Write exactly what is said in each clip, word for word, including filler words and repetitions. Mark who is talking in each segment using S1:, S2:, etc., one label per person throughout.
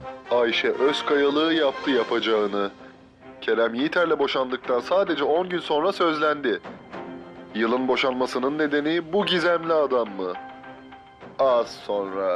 S1: Ayşe Özkayalığı yaptı yapacağını. Kerem Yiğiter'le boşandıktan sadece on gün sonra sözlendi. Yılın boşanmasının nedeni bu gizemli adam mı? Az sonra.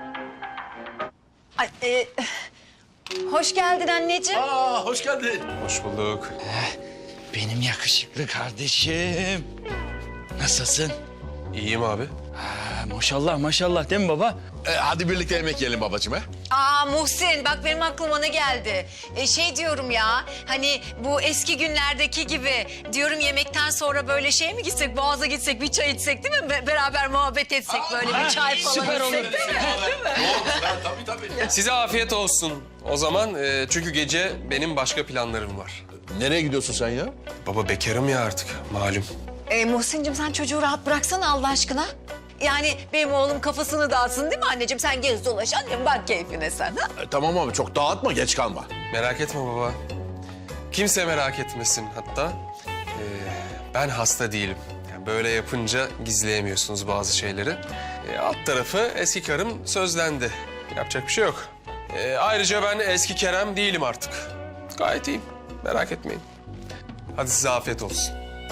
S2: Ay, e, hoş geldin anneciğim.
S3: Aa, hoş geldin.
S4: Hoş bulduk.
S3: Benim yakışıklı kardeşim. Nasılsın?
S4: İyiyim abi.
S3: Ha, maşallah maşallah değil mi baba?
S5: Ee, hadi birlikte yemek yiyelim babacığım ha?
S2: Aa Muhsin, bak benim aklıma ne geldi? E, şey diyorum ya, hani bu eski günlerdeki gibi diyorum, yemekten sonra böyle şey mi gitsek, Boğaz'a gitsek, bir çay içsek değil mi? Be- beraber muhabbet etsek, böyle bir çay falan
S3: süper olur.
S2: içsek değil mi? Değil mi?
S5: Tabii tabii.
S4: Size afiyet olsun. O zaman e, çünkü gece benim başka planlarım var.
S5: Nereye gidiyorsun sen ya?
S4: Baba bekarım ya artık malum.
S2: E, Muhsin'cim sen çocuğu rahat bıraksana Allah aşkına. Yani benim oğlum kafasını dağıtsın değil mi anneciğim? Sen gez dolaş annem, bak keyfine sen. Ha?
S5: E, tamam abi çok dağıtma geç kalma.
S4: Merak etme baba. Kimse merak etmesin hatta. e, ben hasta değilim. Yani böyle yapınca gizleyemiyorsunuz bazı şeyleri. E, alt tarafı eski karım sözlendi. Yapacak bir şey yok. E, ayrıca ben eski Kerem değilim artık. Gayet iyiyim. Merak etmeyin. Hadi size afiyet olsun.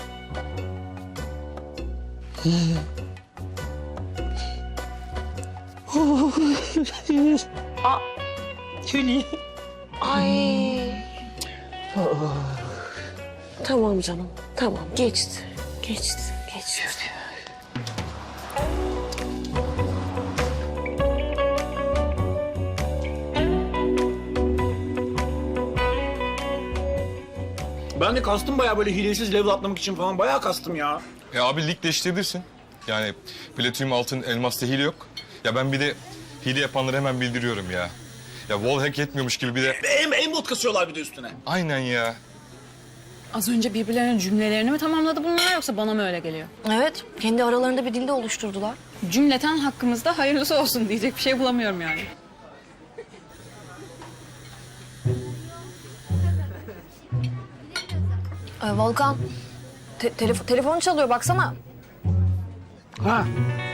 S6: Ay. Tamam canım. Tamam geçti. Geçti. Geçti.
S7: Ben de kastım bayağı böyle hilesiz level atlamak için falan bayağı kastım ya.
S8: E abi lig değiştirebilirsin. Yani platinum, altın, elmasta hile yok. Ya ben bir de hile yapanları hemen bildiriyorum ya. Ya wall hack etmiyormuş gibi bir de...
S7: Em, embot kasıyorlar bir de üstüne.
S8: Aynen ya.
S9: Az önce birbirlerinin cümlelerini mi tamamladı bunlar yoksa bana mı öyle geliyor?
S6: Evet. Kendi aralarında bir dilde oluşturdular.
S9: Cümleten hakkımızda hayırlısı olsun diyecek bir şey bulamıyorum yani.
S6: Ee, Volkan. Te- telef- telefon çalıyor baksana.
S7: Ha.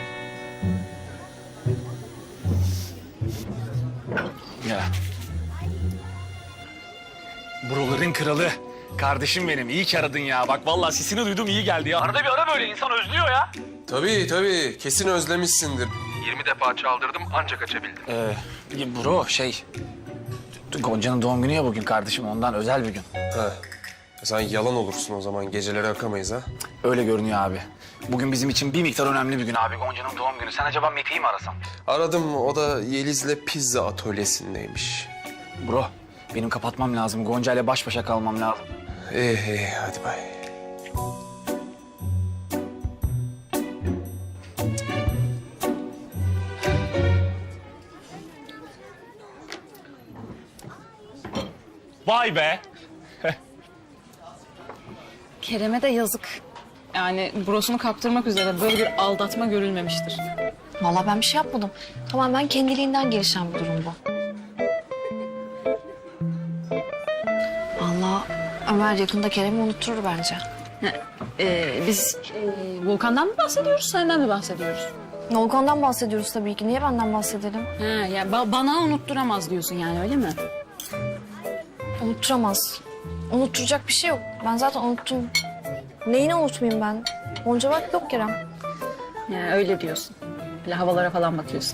S7: Ya. Buraların kralı. Kardeşim benim iyi ki aradın ya. Bak vallahi sesini duydum iyi geldi ya. Arada bir ara böyle insan özlüyor ya.
S4: Tabii tabii. Kesin özlemişsindir. yirmi defa çaldırdım ancak açabildim.
S7: Ee, bro şey... Gonca'nın doğum günü ya bugün kardeşim ondan özel bir gün.
S4: Ha. Sen yalan olursun o zaman. Geceleri akamayız ha.
S7: Öyle görünüyor abi. Bugün bizim için bir miktar önemli bir gün abi. Gonca'nın doğum günü. Sen acaba Mete'yi mi arasan?
S4: Aradım. O da Yeliz'le pizza atölyesindeymiş.
S7: Bro benim kapatmam lazım. Gonca ile baş başa kalmam lazım.
S4: İyi iyi hadi bay.
S7: Vay be.
S9: Kerem'e de yazık. Yani burasını kaptırmak üzere böyle bir aldatma görülmemiştir.
S6: Vallahi ben bir şey yapmadım. Tamamen kendiliğinden gelişen bir durum bu. Vallahi Ömer yakında Kerem'i unutturur bence.
S9: Ee, biz e, Volkan'dan mı bahsediyoruz, senden mi bahsediyoruz?
S6: Volkan'dan bahsediyoruz tabii ki. Niye benden bahsedelim?
S9: Ha, yani ba- bana unutturamaz diyorsun yani öyle mi?
S6: Unutturamaz. Unutturacak bir şey yok. Ben zaten unuttum. Neyini unutmayayım ben? Gonca bak yok Kerem.
S9: Yani öyle diyorsun. Böyle havalara falan bakıyorsun.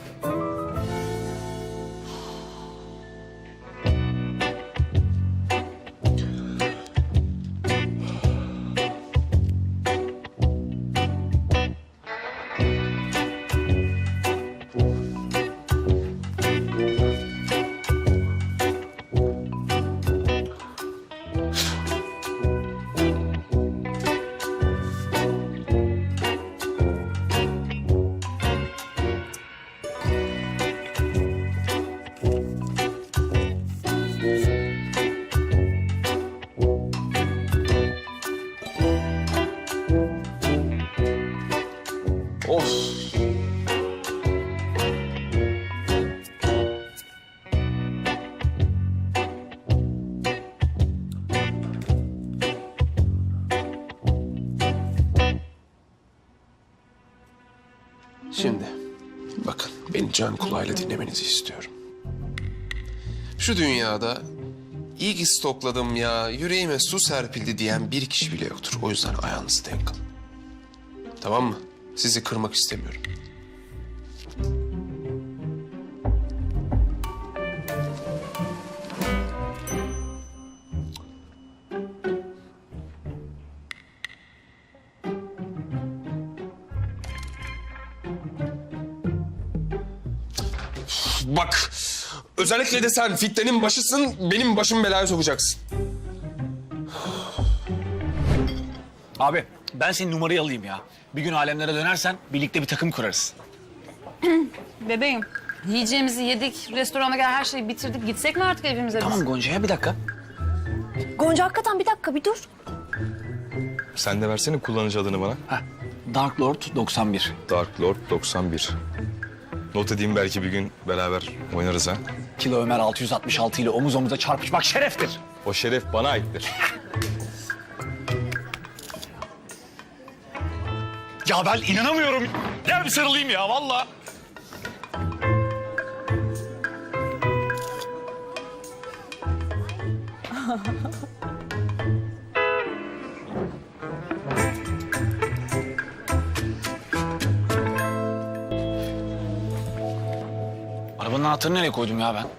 S4: Şimdi bakın beni can kulağıyla dinlemenizi istiyorum. Şu dünyada iyi ki stokladım ya, yüreğime su serpildi diyen bir kişi bile yoktur. O yüzden ayağınızı denk alın. Tamam mı? Sizi kırmak istemiyorum. Bak, özellikle de sen fitnenin başısın, benim başımı belaya sokacaksın.
S7: Abi ben senin numarayı alayım ya. Bir gün alemlere dönersen birlikte bir takım kurarız.
S9: Bebeğim, yiyeceğimizi yedik, restorana gel her şeyi bitirdik. Gitsek mi artık evimize biz?
S3: Tamam Gonca ya bir dakika.
S6: Gonca hakikaten bir dakika bir dur.
S8: Sen de versene kullanıcı adını bana.
S3: Heh, Dark Lord doksan bir.
S8: Dark Lord doksan bir. Not edeyim, belki bir gün beraber oynarız ha.
S7: Kilo Ömer altı yüz altmış altı ile omuz omuza çarpışmak şereftir.
S8: O şeref bana aittir.
S7: Ya ben inanamıyorum. Gel bir sarılayım ya vallahi. Arabanın anahtarını nereye koydum ya ben?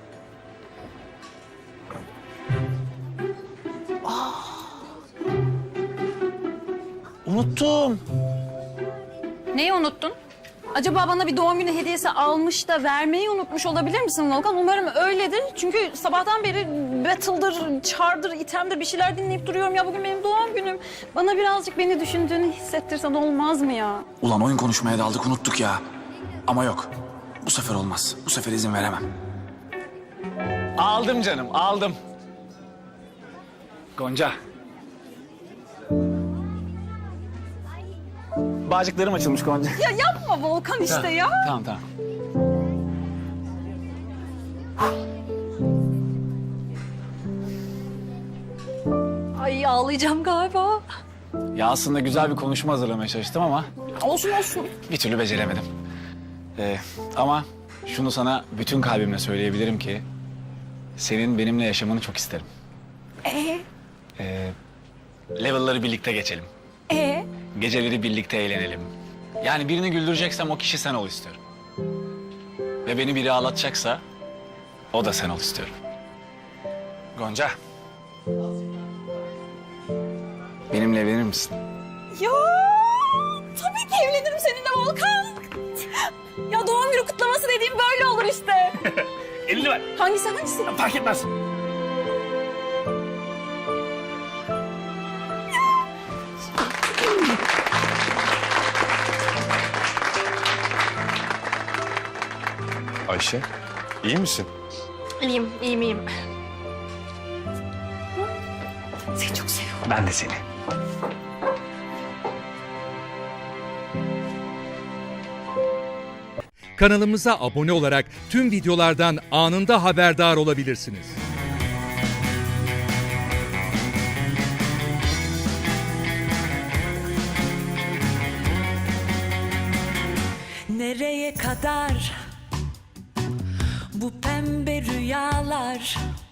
S7: Unuttum.
S9: Neyi unuttun? Acaba bana bir doğum günü hediyesi almış da vermeyi unutmuş olabilir misin Volkan? Umarım öyledir. Çünkü sabahtan beri battle'dır, çardır, itemdir bir şeyler dinleyip duruyorum. Ya bugün benim doğum günüm. Bana birazcık beni düşündüğünü hissettirsen olmaz mı ya?
S3: Ulan oyun konuşmaya daldık unuttuk ya. Ama yok. Bu sefer olmaz. Bu sefer izin veremem.
S7: Aldım canım, aldım. Gonca. Bağcıklarım açılmış Gonca.
S9: Ya yapma Volkan işte ya.
S7: Tamam tamam.
S6: Ay ağlayacağım galiba.
S7: Ya aslında güzel bir konuşma hazırlamaya çalıştım ama
S9: Olsun olsun.
S7: bir türlü beceremedim. Ee, ama şunu sana bütün kalbimle söyleyebilirim ki senin benimle yaşamanı çok isterim.
S6: Ee?
S7: Ee, level'ları birlikte geçelim.
S6: Ee?
S7: Geceleri birlikte eğlenelim. Yani birini güldüreceksem o kişi sen ol istiyorum. Ve beni biri ağlatacaksa o da sen ol istiyorum. Gonca. Benimle evlenir misin?
S6: Ya tabii ki evlenirim seninle Volkan. Ya doğum günü kutlaması dediğim böyle olur işte.
S7: Elini ver.
S6: Hangisi hangisi?
S7: Fark etmez.
S8: Ayşe, iyi misin?
S6: İyiyim, iyiyim, iyiyim. Seni çok seviyorum.
S7: Ben de seni.
S10: Kanalımıza abone olarak tüm videolardan anında haberdar olabilirsiniz.
S11: Nereye kadar bu pembe rüyalar?